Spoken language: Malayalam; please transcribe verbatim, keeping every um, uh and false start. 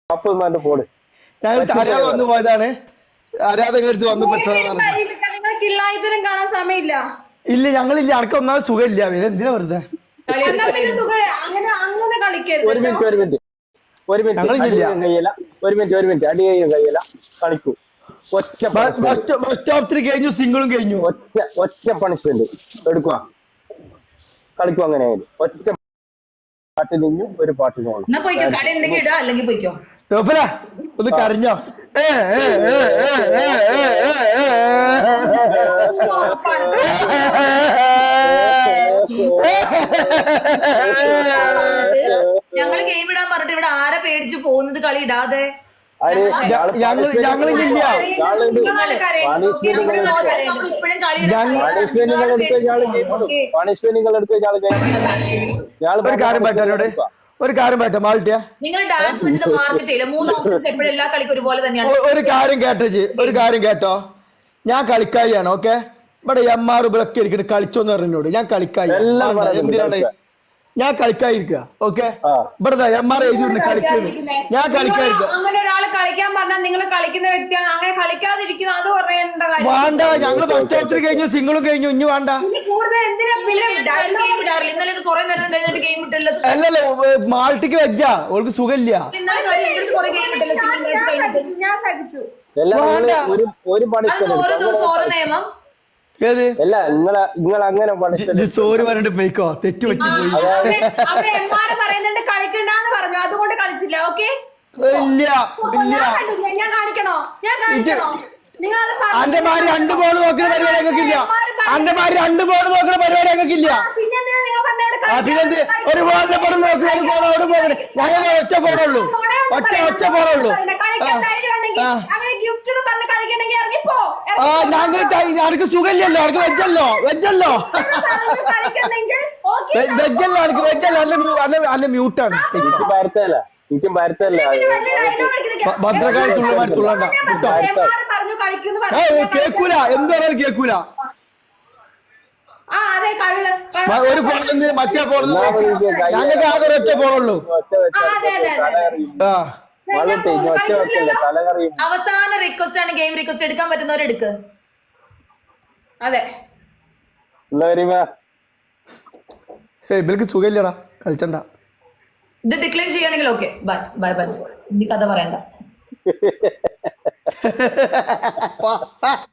നാപ്പത് പോട് ഞങ്ങൾ അറിയാതെ വന്നു പോയതാണ്. ആരാധകർ അടുത്ത് വന്ന് പെട്ടതാണ്. കിള്ളായിത്തരം കാണാൻ സമയമില്ല. ഇല്ല ഞങ്ങളില്ല, അനക്ക് ഒന്നാമത് സുഖമില്ല. പിന്നെ എന്തിനാ വെറുതെ അങ്ങനെ അങ്ങനെ കളിക്കരുത്. ഒരു മിനിറ്റ് ഒരു മിനിറ്റ് ഒരു മിനിറ്റ് കയ്യല്ല ഒരു മിനിറ്റ് ഒരു മിനിറ്റ് അടി കയ്യും കയ്യല്ല കളിക്കൂ. ഒറ്റ ബസ് സ്റ്റോപ്പ് കഴിഞ്ഞു, സിംഗിളും കഴിഞ്ഞു. ഒറ്റ ഒറ്റ പണിഷ്മെന്റ് എടുക്കുക, കളിക്കും. അങ്ങനെ ഒറ്റ പാട്ട് നിന്നു ഒരു പാട്ട് പോകണം. ഒന്ന് കരഞ്ഞോ? ഞങ്ങള് ഗെയിം ഇടാൻ പറഞ്ഞിട്ട് ഇവിടെ ആരെ പേടിച്ച് പോകുന്നത് കളി ഇടാതെ. ഞങ്ങളില്ല ഒരു കാര്യം പറ്റാനോട് ഒരു കാര്യം പറ്റാ മാൾട്ടിയ നിങ്ങൾ ഡാൻസ് വെച്ചിട്ട് മാർക്കറ്റ് ചെയ്യില്ല. മൂന്ന് ഓപ്ഷൻസ് എപ്പോഴും എല്ലാ കളിക്കും ഒരുപോലെ തന്നെയാണ്. ഒരു കാര്യം കേട്ടേച്ച് ഒരു കാര്യം കേട്ടോ, ഞാൻ കളിക്കായിയാണ്. ഓക്കെ, ഇവിടെ എം ആർ ഇവിടൊക്കെ ഇരിക്കട്ടെ കളിച്ചോന്ന് പറഞ്ഞോട്. ഞാൻ കളിക്കായി എന്തിനാണ് ഞാൻ കളിക്കാതിരിക്കുക. ഓക്കെ, ഇവിടെ എം ആർ എഴുതി കളിക്കുന്നു. ഞാൻ കളിക്കാതിരിക്കുക. അങ്ങനെ ഒരാൾ കളിക്കാൻ പറഞ്ഞാൽ നിങ്ങൾ കളിക്കുന്ന വ്യക്തിയാണ്. അങ്ങനെ കളിക്കാതിരിക്കുന്നത് അത് പറയേണ്ട കാര്യം വേണ്ട. ഞങ്ങള് പത്തോത്തിരി കഴിഞ്ഞു, സിംഗിളും കഴിഞ്ഞു. ഇനി വേണ്ട. ഇന്നലെ കുറെ നേരം കഴിഞ്ഞിട്ട് ഗെയിം ഇട്ടല്ലോ. അല്ലല്ലോ, മാൾട്ടിക്ക് വെച്ചാ ഓൾക്ക് സുഖമില്ല. ഞാൻ സഹിച്ചു. ഒരു ഓരോ ദിവസം ഓരോ നിയമം. ഏത് അല്ല നിങ്ങളെ നിങ്ങൾ അങ്ങനെ സോറി പറഞ്ഞിട്ട് പോയിക്കോ, തെറ്റ് പറ്റി പോയി. അവിടെ എം ആർ പറയുന്നുണ്ട് കളിക്കണ്ടെന്ന് പറഞ്ഞു, അതുകൊണ്ട് കളിച്ചില്ല. ഓക്കെ, ഇല്ല ഇല്ല ഞാൻ കാണിക്കണോ? ഞാൻ കാണിക്കണോ? നിങ്ങൾ അന്റെ മാര് രണ്ട് ബോൾ നോക്കുന്ന പരിപാടി ഞങ്ങൾക്കില്ല. അന്റെ മാര് രണ്ട് ബോൾ നോക്കുന്ന പരിപാടി ഞങ്ങൾക്കില്ല. പിന്നെന്ത് ഒരു ബോളിനെ പോലും നോക്കുന്ന ഒരു ബോൾ അവിടെ പോകണേ. ഞങ്ങൾ ഒറ്റ ബോളുള്ളൂ, ഒറ്റ ഒറ്റ ബോളുള്ളൂ. ആ ഞങ്ങൾ ഞങ്ങൾക്ക് സുഖമില്ലല്ലോ, അവർക്ക് വെജല്ലോ വെജല്ലോ വെജല്ലോ അവർക്ക് വെജല്ലോ. അല്ല അല്ല അല്ല മ്യൂട്ടാണ്. ഭദ്രകാളി തുള്ളമാരി തുള്ളണ്ട കേട്ടോ. കേക്കൂല, എന്ത് പറഞ്ഞാലും കേക്കൂല. ഒരു ഫോണിൽ മറ്റേ ഫോണിൽ ഞങ്ങൾക്ക് ആകെ ഒറ്റ ഫോണുള്ളൂ. ആ അവസാന റിക്വസ്റ്റ് ആണ്, ഗെയിം റിക്വസ്റ്റ് എടുക്കാൻ പറ്റുന്നവർ എടുക്ക്. അതെ, ഇവർക്ക് സുഖമില്ലടാ, കളിച്ചണ്ട. ഇത് ഡിക്ലൈൻ ചെയ്യണമെങ്കിൽ ഓക്കെ, ബൈ ബൈ ബൈ. ഇനി കഥ പറയണ്ട.